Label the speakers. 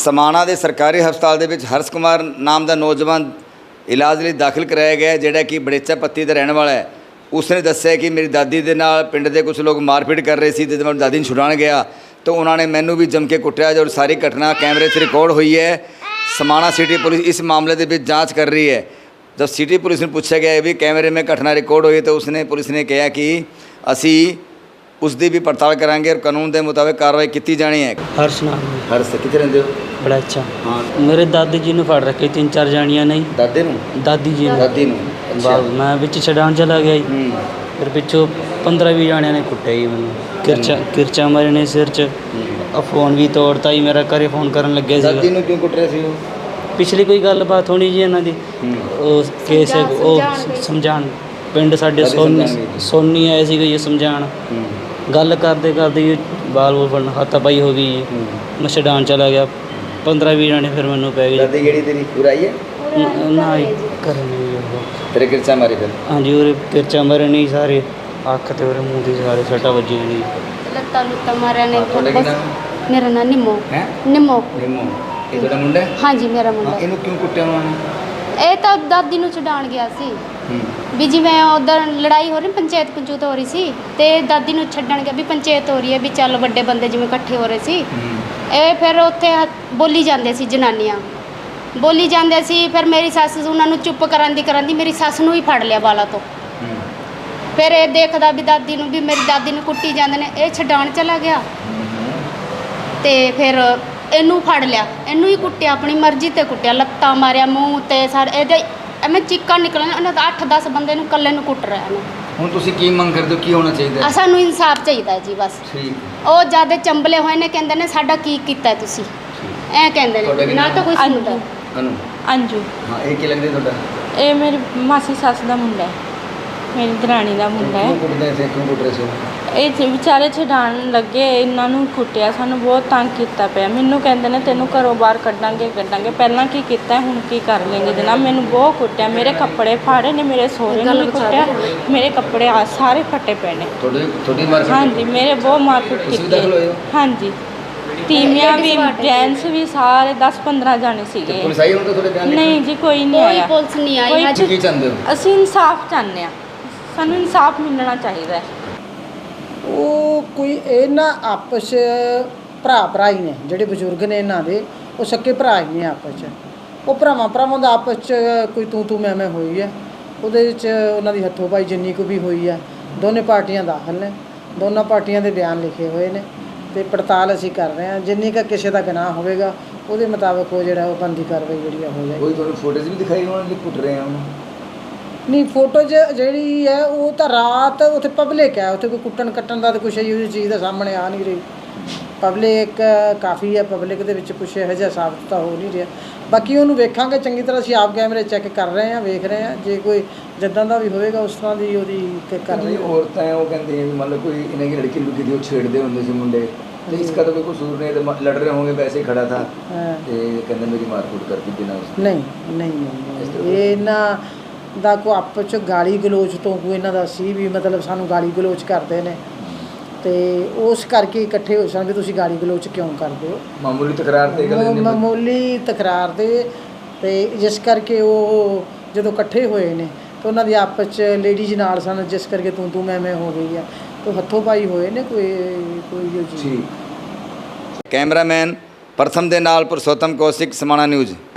Speaker 1: समाणा के सरकारी हस्पताल के हर्ष कुमार नाम का नौजवान इलाज लिए दाखिल कराया गया जोड़ा कि बड़ेचा पत्ती का रहने वाला है। उसने दस्या कि मेरी दादी के नाल पिंड के कुछ लोग मारपीट कर रहे थे, जब मैं दादी छुड़ाने गया तो उन्होंने मैनू भी जम के कुटिया। जो सारी घटना कैमरे से रिकॉर्ड हुई है। समाणा सिटी पुलिस इस मामले के जाँच कर रही है। जब सिटी पुलिस ने पूछा गया भी कैमरे में घटना रिकॉर्ड हुई तो उसने पुलिस ने कहा कि असी उसकी भी पड़ताल करांगे और कानून के मुताबिक कार्रवाई की जानी है।
Speaker 2: हर्ष नाम है।
Speaker 1: हर्ष कितने रहते हो?
Speaker 2: बड़ा अच्छा।
Speaker 1: हाँ,
Speaker 2: मेरे दादी जी ने फड़ रखे 3-4 जानियां नहीं।
Speaker 1: दादे
Speaker 2: दादी जी ने।
Speaker 1: दादी अच्छा।
Speaker 2: मैं बिच छड़ान चला गया जी। फिर पिछों 15-20 जानियां ने कुट्टिया जी मैंने किरचा मारे ने सिर च। फोन भी तोड़ता ही मेरा, घरे फोन करन लगे।
Speaker 1: दादी ने क्यों कुट रहे थे?
Speaker 2: पिछली कोई गलबात होनी जी इन्हां दी। केस समझाण पिंड साडे सोनी आए सी ये समझाण। गल करते करते बाल बूल फड़न हाथापाई हो गई। मैं छड़ान चला गया। 15-20 जाने फिर मैनू पै गए।
Speaker 1: दादी केड़ी तेरी पूरा आई है
Speaker 2: ना घर नहीं
Speaker 1: तेरे किरचा मारे फिर?
Speaker 2: हाँ जी, और किरचा मारे नहीं सारे अख ते और मूँह दी सारे सट्टा बजी नहीं।
Speaker 3: लत्ता लुत्ता मारे ने।
Speaker 1: ਤੁਹਾਡਾ ਕੀ ਨਾਮ ਹੈ?
Speaker 3: मेरा नाम निम्मो।
Speaker 1: है
Speaker 3: निम्मो।
Speaker 1: निम्मो। ਇਹ ਤੁਹਾਡਾ ਮੁੰਡਾ ਹੈ?
Speaker 3: हाँ जी मेरा मुंडा।
Speaker 1: ਇਹਨੂੰ ਕਿਉਂ ਕੁੱਟਿਆ ਉਹਨਾਂ ਨੇ?
Speaker 3: ਇਹ ਤਾਂ ਦਾਦੀ ਨੂੰ ਛਡਾਣ ਗਿਆ ਸੀ ਵੀ ਜਿਵੇਂ ਉਧਰ ਲੜਾਈ ਹੋ ਰਹੀ ਪੰਚਾਇਤ ਪੰਚੂਤ ਹੋ ਰਹੀ ਸੀ ਤੇ ਦਾਦੀ ਨੂੰ ਛੱਡਣ ਗਿਆ ਵੀ ਪੰਚਾਇਤ ਹੋ ਰਹੀ ਹੈ ਵੀ ਚੱਲ ਵੱਡੇ ਬੰਦੇ ਜਿਵੇਂ ਇਕੱਠੇ ਹੋ ਰਹੇ ਸੀ। ਇਹ ਫਿਰ ਉੱਥੇ ਬੋਲੀ ਜਾਂਦੇ ਸੀ ਜਨਾਨੀਆਂ ਬੋਲੀ ਜਾਂਦੇ ਸੀ। ਫਿਰ ਮੇਰੀ ਸੱਸ ਉਹਨਾਂ ਨੂੰ ਚੁੱਪ ਕਰਾਂਦੀ ਮੇਰੀ ਸੱਸ ਨੂੰ ਹੀ ਫੜ ਲਿਆ ਵਾਲਾ ਤੋਂ। ਫਿਰ ਇਹ ਦੇਖਦਾ ਵੀ ਦਾਦੀ ਨੂੰ ਵੀ ਮੇਰੀ ਦਾਦੀ ਨੂੰ ਕੁੱਟੀ ਜਾਂਦੇ ਨੇ। ਇਹ ਛਡਾਣ ਚਲਾ ਗਿਆ ਤੇ ਫਿਰ ਇਹਨੂੰ ਫੜ ਲਿਆ, ਇਹਨੂੰ ਹੀ ਕੁੱਟਿਆ, ਆਪਣੀ ਮਰਜ਼ੀ ਤੇ ਕੁੱਟਿਆ, ਲੱਤਾਂ ਮਾਰਿਆ, ਮੂੰਹ ਤੇ ਸਾਰੇ ਇਹਦੇ ਐਵੇਂ ਚੀਕਾਂ ਨਿਕਲਣ। ਉਹਨਾਂ ਦਾ 8-10 ਬੰਦੇ ਨੂੰ ਇਕੱਲੇ ਨੂੰ ਕੁੱਟ ਰਿਹਾ ਇਹਨੂੰ।
Speaker 1: ਹੁਣ ਤੁਸੀਂ ਕੀ ਮੰਗ ਕਰਦੇ ਹੋ, ਕੀ ਹੋਣਾ ਚਾਹੀਦਾ?
Speaker 3: ਸਾਨੂੰ ਇਨਸਾਫ ਚਾਹੀਦਾ ਜੀ ਬਸ।
Speaker 1: ਠੀਕ।
Speaker 3: ਉਹ ਜਿਆਦਾ ਚੰਬਲੇ ਹੋਏ ਨੇ, ਕਹਿੰਦੇ ਨੇ ਸਾਡਾ ਕੀ ਕੀਤਾ ਤੁਸੀਂ, ਐ ਕਹਿੰਦੇ ਨੇ ਨਾ ਤਾਂ ਕੋਈ ਸੁਣਦਾ।
Speaker 1: ਅਨੂ
Speaker 4: ਅੰਜੂ।
Speaker 1: ਹਾਂ, ਇਹ ਕੀ ਲੱਗਦਾ ਤੁਹਾਡਾ?
Speaker 4: ਇਹ ਮੇਰੀ ਮਾਸੀ ਸੱਸ ਦਾ ਮੁੰਡਾ ਹੈ, ਮੇਰੀ ਦਰਾਣੀ ਦਾ ਮੁੰਡਾ ਹੈ।
Speaker 1: ਕਿਉਂ ਕੁੱਟਦੇ ਸੀ? ਕਿਉਂ ਕੁੱਟ ਰਹੇ ਸੀ?
Speaker 4: ਇਹ ਵਿਚਾਰੇ ਛਡਾਣ ਲੱਗੇ, ਇਹਨਾਂ ਨੂੰ ਕੁੱਟਿਆ, ਸਾਨੂੰ ਬਹੁਤ ਤੰਗ ਕੀਤਾ ਪਿਆ। ਮੈਨੂੰ ਕਹਿੰਦੇ ਨੇ ਤੈਨੂੰ ਘਰੋਂ ਬਾਹਰ ਕੱਢਾਂਗੇ। ਪਹਿਲਾਂ ਕੀ ਕੀਤਾ ਹੁਣ ਕੀ ਕਰ ਲੈਂਗੇ ਜਨਾਬ। ਮੈਨੂੰ ਬਹੁਤ ਕੁੱਟਿਆ, ਮੇਰੇ ਕੱਪੜੇ ਫਾੜੇ ਨੇ, ਮੇਰੇ ਸਹੁਰੇ ਨੂੰ ਵੀ ਕੁੱਟਿਆ, ਮੇਰੇ ਕੱਪੜੇ ਆ ਸਾਰੇ ਫਟੇ ਪਏ ਨੇ।
Speaker 1: ਤੁਹਾਡੀ ਮਾਰ?
Speaker 4: ਹਾਂਜੀ, ਮੇਰੇ ਬਹੁਤ ਮਾਰਪੀਟ ਕੀਤੀ। ਹਾਂਜੀ, ਤੀਵੀਆਂ ਵੀ ਜੈਂਟਸ ਵੀ ਸਾਰੇ 10-15 ਜਾਣੇ ਸੀਗੇ।
Speaker 1: ਪੁਲਿਸ ਆਈ ਹੁਣ ਤਾਂ ਤੁਹਾਡੇ ਬਿਆਨ?
Speaker 4: ਨਹੀਂ ਜੀ, ਕੋਈ ਨਹੀਂ ਆਇਆ।
Speaker 3: ਕੋਈ ਪੁਲਿਸ ਨਹੀਂ ਆਈ।
Speaker 1: ਕੀ ਚਾਹੁੰਦੇ ਹੋ?
Speaker 4: ਅਸੀਂ ਇਨਸਾਫ ਚਾਹੁੰਦੇ ਹਾਂ, ਸਾਨੂੰ ਇਨਸਾਫ ਮਿਲਣਾ ਚਾਹੀਦਾ ਹੈ।
Speaker 5: ਉਹ ਕੋਈ ਇਹਨਾਂ ਆਪਸ ਭਰਾ ਹੀ ਨੇ, ਜਿਹੜੇ ਬਜ਼ੁਰਗ ਨੇ ਇਹਨਾਂ ਦੇ, ਉਹ ਸਕੇ ਭਰਾ ਹੀ ਨੇ ਆਪਸ 'ਚ। ਉਹ ਭਰਾਵਾਂ ਦਾ ਆਪਸ 'ਚ ਕੋਈ ਤੂੰ ਮੈਂ ਹੋਈ ਹੈ। ਉਹਦੇ ਵਿੱਚ ਉਹਨਾਂ ਦੀ ਹੱਥੋਂ ਪਾਈ ਜਿੰਨੀ ਕੁ ਵੀ ਹੋਈ ਹੈ। ਦੋਨੇ ਪਾਰਟੀਆਂ ਦਾਖਲ ਨੇ, ਦੋਨਾਂ ਪਾਰਟੀਆਂ ਦੇ ਬਿਆਨ ਲਿਖੇ ਹੋਏ ਨੇ ਤੇ ਪੜਤਾਲ ਅਸੀਂ ਕਰ ਰਹੇ ਹਾਂ। ਜਿੰਨੀ ਕੁ ਕਿਸੇ ਦਾ ਗੁਨਾਹ ਹੋਵੇਗਾ ਉਹਦੇ ਮੁਤਾਬਕ ਉਹ ਜਿਹੜਾ ਉਹ ਬਣਦੀ ਕਾਰਵਾਈ ਜਿਹੜੀ ਹੋ ਜਾਏਗੀ।
Speaker 1: ਕੋਈ ਤੁਹਾਨੂੰ ਫੋਟੋਜ਼ ਵੀ ਦਿਖਾਈ ਉਹਨਾਂ ਨੇ ਕੁੱਟ ਰਹੇ ਆ ਉਹਨੂੰ? ਨਹੀਂ,
Speaker 5: ਫੋਟੋ ਜਿਹੜੀ ਹੈ ਉਹ ਤਾਂ ਰਾਤ ਉੱਥੇ ਪਬਲਿਕ ਹੈ, ਉੱਥੇ ਕੋਈ ਕੁੱਟਣ ਕੱਟਣ ਦਾ ਤਾਂ ਕੁਛ ਇਹੋ ਜਿਹੀ ਚੀਜ਼ ਦਾ ਸਾਹਮਣੇ ਆ ਨਹੀਂ ਰਹੀ। ਪਬਲਿਕ ਕਾਫੀ ਹੈ, ਪਬਲਿਕ ਦੇ ਵਿੱਚ ਕੁਛ ਇਹੋ ਜਿਹਾ ਸਾਬਤ ਤਾਂ ਹੋ ਨਹੀਂ ਰਿਹਾ। ਬਾਕੀ ਉਹਨੂੰ ਵੇਖਾਂਗੇ ਚੰਗੀ ਤਰ੍ਹਾਂ, ਅਸੀਂ ਆਪ ਕੈਮਰੇ ਚੈੱਕ ਕਰ ਰਹੇ ਹਾਂ, ਵੇਖ ਰਹੇ ਹਾਂ। ਜੇ ਕੋਈ ਜਿੱਦਾਂ ਦਾ ਵੀ ਹੋਵੇਗਾ ਉਸ ਤਰ੍ਹਾਂ ਦੀ ਉਹਦੀ ਕਰ ਰਹੀ।
Speaker 1: ਔਰਤਾਂ ਉਹ ਕਹਿੰਦੇ ਵੀ ਮੰਨ ਲਓ ਕੋਈ ਇਹਨਾਂ ਦੀ ਲੜਕੀ ਲੁਕੀ ਦੀ ਉਹ ਛੇੜਦੇ ਹੁੰਦੇ ਸੀ ਮੁੰਡੇ, ਤੇ इसका तो कोई कसूर नहीं है, लड़ रहे होंगे वैसे ही खड़ा था ਤੇ ਕਹਿੰਦੇ ਮੇਰੀ ਮਾਰਕੁੱਟ ਕਰਤੀ ਬਿਨਾਂ ਉਸ।
Speaker 5: ਨਹੀਂ ਇਹਨਾਂ ਦਾ ਕੋਈ ਆਪਸ 'ਚ ਗਾਲੀ ਗਲੋਚ ਤੋਂ ਕੋਈ ਇਹਨਾਂ ਦਾ ਸੀ ਵੀ ਮਤਲਬ ਸਾਨੂੰ ਗਾਲੀ ਗਲੋਚ ਕਰਦੇ ਨੇ ਤੇ ਉਸ ਕਰਕੇ ਇਕੱਠੇ ਹੋਏ ਸਨ ਵੀ ਤੁਸੀਂ ਗਾਲੀ ਗਲੋਚ ਕਿਉਂ ਕਰਦੇ ਹੋ।
Speaker 1: ਮਾਮੂਲੀ ਤਕਰਾਰ ਤੇ ਗੱਲ
Speaker 5: ਮਾਮੂਲੀ ਤਕਰਾਰ ਤੇ ਜਿਸ ਕਰਕੇ ਉਹ ਜਦੋਂ ਇਕੱਠੇ ਹੋਏ ਨੇ ਤਾਂ ਉਹਨਾਂ ਦੀ ਆਪਸ 'ਚ ਲੇਡੀਜ਼ ਨਾਲ ਸਨ, ਜਿਸ ਕਰਕੇ ਤੂੰ ਮੈਂ ਹੋ ਗਈ ਹੈ। तो हथों पाई हुए ने कोई
Speaker 1: कैमरामैन प्रथम दे नाल पुरुषोत्तम कौशिक समाणा न्यूज़।